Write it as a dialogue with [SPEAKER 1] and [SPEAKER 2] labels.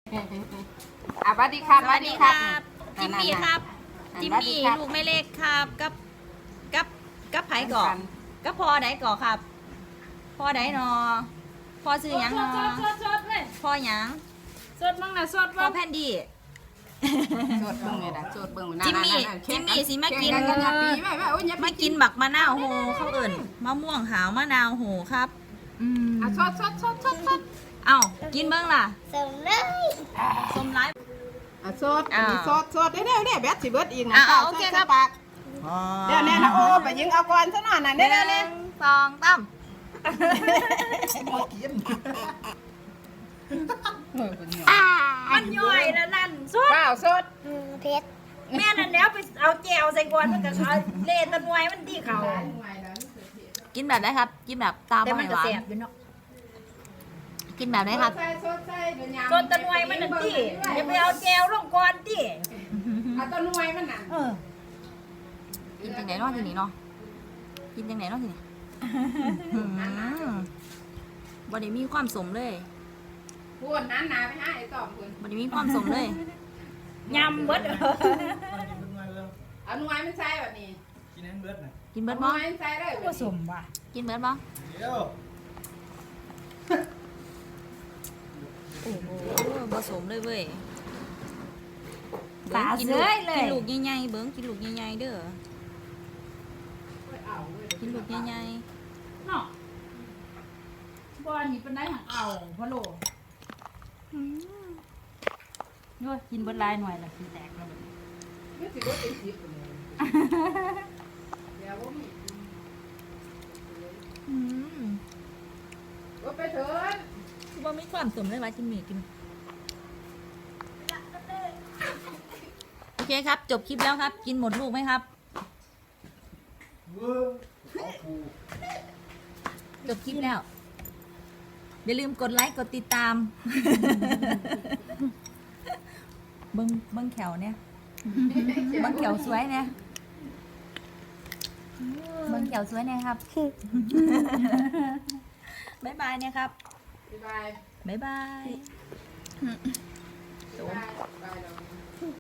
[SPEAKER 1] สวัสดีครับ
[SPEAKER 2] สวัสดีครับจิมมี่
[SPEAKER 1] นั่นๆๆ
[SPEAKER 2] ครับจิม
[SPEAKER 1] สวัสดี
[SPEAKER 2] มี่
[SPEAKER 1] ครับ
[SPEAKER 2] ลูกไม่เล็กครับกับไผก่อ
[SPEAKER 1] กัน
[SPEAKER 2] กับพ่อไหนก่อครับพ่อไหนนอพ่อซื้อหยังนอ
[SPEAKER 3] สดเลย
[SPEAKER 2] พ่อหยัง
[SPEAKER 3] สดมั้งนะสด
[SPEAKER 2] พ่อ
[SPEAKER 3] ว่า
[SPEAKER 2] แพนดี้
[SPEAKER 1] โจดเบิ่งเลยนะโจดเบิ่ง
[SPEAKER 2] จิมมี่จิมมี่สิมากิน
[SPEAKER 1] แข่งอย่าปีไว้โอ้ยอย่า
[SPEAKER 2] มากินบักมะนาวโหเขาเอิ่นมะม่วงหาวมะนาวโหครับ
[SPEAKER 1] อ่ะสด
[SPEAKER 2] เอ้ากินเบิ่งล่ะ
[SPEAKER 3] ส่งเลย
[SPEAKER 2] ส้มไร้
[SPEAKER 1] อ่ะสดอันนี้สดเด้อแบตสิเบิดอีกนะ
[SPEAKER 2] อ่ะโอเคครับ
[SPEAKER 1] ปากเดี๋ยวนี่นะโอ้ไปยิงเอาก่อนซะหน่อยน่ะเด้อนี่
[SPEAKER 2] สองตั้ม มันย่อยแล้วนั่นสุด
[SPEAKER 1] เปล่าสด
[SPEAKER 3] เพชร
[SPEAKER 2] แม่นั่นแล้วไปเอาแจวใส่กวนมันก็เอาเล่ตะนวยมันดีเขากินแบบไหนครับ กินแบบตาม
[SPEAKER 3] แต่มัน
[SPEAKER 2] ห
[SPEAKER 3] ก็
[SPEAKER 2] วาน
[SPEAKER 3] แสบอยู่เนาะ
[SPEAKER 2] กินแบบไหนครับ
[SPEAKER 1] ใส่เดี๋ยวยาม
[SPEAKER 3] ส่วนตะนวยมันนั่นดิอย่าไปเอาแจวลงก่อนดิ
[SPEAKER 1] เอาต้นนวยมันน่ะ
[SPEAKER 2] กินจังไหนเนาะทีนี้เนาะกินจังไหนเนาะทีนี้บ่ได้มีความสมเลย
[SPEAKER 1] พูดนั้นนาไปหาไอ้ตอมคุณ
[SPEAKER 2] บ่ได้มีความสมเลย
[SPEAKER 3] ยำเบิด
[SPEAKER 1] เอานวยมันใส่แบบนี้
[SPEAKER 4] กินให้เบิดน่ะ
[SPEAKER 2] กินเบิด
[SPEAKER 1] น
[SPEAKER 2] บ่
[SPEAKER 1] วยมันใส่เลย
[SPEAKER 3] ผสมว่ะ
[SPEAKER 2] กินเบิดบ่
[SPEAKER 4] เดี๋ยว
[SPEAKER 2] โอ้โหบ่สมเลยเว้ย
[SPEAKER 3] ตา
[SPEAKER 2] กิน
[SPEAKER 3] เสื้
[SPEAKER 2] ลู
[SPEAKER 3] อก เล
[SPEAKER 2] กิ
[SPEAKER 3] ย
[SPEAKER 2] นลูกใหญ่ๆเบิ่งกินลูกใหญ่ๆเด้อกินลูกใหญ่
[SPEAKER 3] เนาะบ่อันนี้เป็นได้หังเอาพะโลโน้ยกินเบิดลายหน่อยละกินแตกแล้วบัดนี้
[SPEAKER 1] มันสิบ่เป็นสิบเลยเดี๋ยวบ่มี ว่าไปเถิด
[SPEAKER 2] คือบ่มีความสมเลยว่าจิมมี่กินโอเคครับ จบคลิปแล้วครับ กินหมดลูกไหมครับ
[SPEAKER 4] เว้ยเอาผู
[SPEAKER 2] จบคลิปแล้ว อย่าลืมกดไลค์กดติดตาม เบิ้งแขวเนี่ยเบิ้งแขวสวยเนี่ยเบิ้งแขวสวยเนี่ยครับ บ๊ายบายเนี่ยครับ
[SPEAKER 1] บ๊ายบาย
[SPEAKER 2] บ๊ายบาย
[SPEAKER 1] บ๊ายบาย